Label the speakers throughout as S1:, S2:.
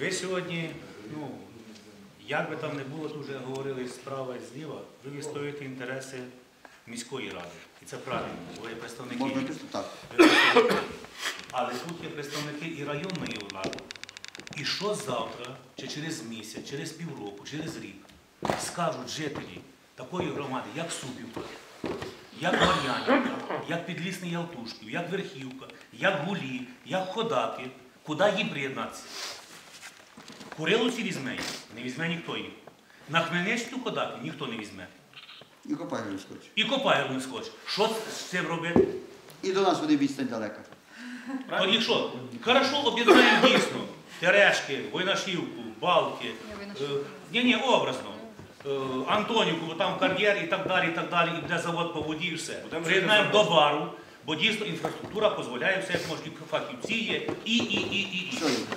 S1: Ви сьогодні, як би там не було, тут вже говорили справа і зліва, ви відстоюєте інтереси міської ради. І це правильно, ви є представники. Але тут є представники і районної влади. І що завтра, чи через місяць, через півроку, через рік скажуть жителі такої громади, як Супівка, як Мар'янівка, як Підлісний Ялтушків, як Верхівка, як Гулі, як Ходаки, куди їм приєднатися? Куриловці візьме їх? Не візьме ніхто їх. На Хмельниччину Ходаки ніхто не візьме.
S2: І Копайло не схоче.
S1: І Копайло не схоче. Що з цим робити?
S2: І до нас буде відстань далека.
S1: Тоді що? Хорошо, об'єднаємо дійсно. Терешки, Войнашівку, Балки, образно. Антонівку, бо там кар'єр і так далі, і де завод по воді і все. Приєднаємо до бару, бо дійсно інфраструктура дозволяє все, як можуть, і фахівці є, і.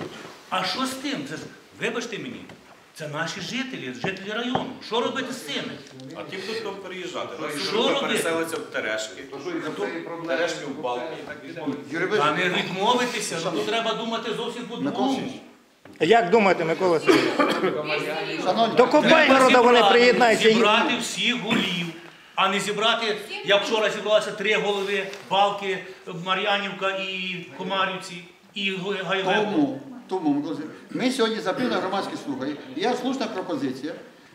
S1: А що з тим? Вибачте мені, це наші жителі району. Що робити з цими?
S3: А ті, хто там переїжджати,
S1: переселиться
S3: в Терешки, Терешки в Балки і так далі.
S1: Та не відмовитися, тут треба думати зовсім по-другому.
S4: Як думаєте, Микола Сергійович?
S2: Шановні,
S4: До Копайгорода вони приєднаються.
S1: Зібрати всіх голів, а не зібрати, як вчора зібралися 3 голови, Балки, Мар'янівка і Комарівці, і Гайвеко.
S2: Тому, Микола Сергійович, ми сьогодні запили громадські слухання. Є слушна пропозиція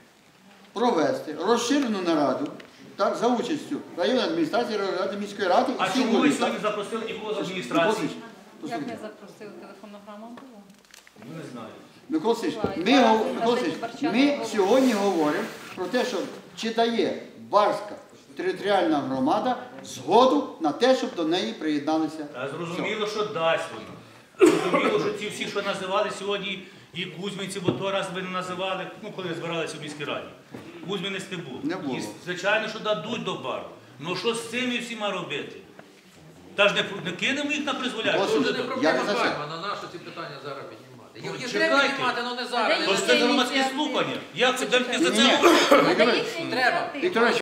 S2: провести розширену нараду за участю районної адміністрації, ради міської ради і
S1: А
S2: всіх
S1: чому ви
S2: голів.
S1: сьогодні запросили нікого з адміністрації?
S5: Як не запросили, телефонна грама була?
S1: Ну, не знаю.
S2: Микола Сергійович, ми сьогодні говоримо про те, що чи дає Барська територіальна громада згоду на те, щоб до неї приєдналися.
S1: Зрозуміло, що дасть вона. Зрозуміло, що ці всі, що називали сьогодні, і Кузьминці, бо той раз ви не називали, коли збиралися в міській раді. Кузьминець не було.
S2: Не було.
S1: І, звичайно, що дадуть до бару. Ну що з цими всіма робити? Та ж не кинемо їх на призволяючи.
S6: Це не проблема Баймана, на наші ці питання зараз піднімати. Їх треба піднімати, але не зараз.
S1: Тож це громадські слухання. Як це?
S6: Треба.
S2: Віктор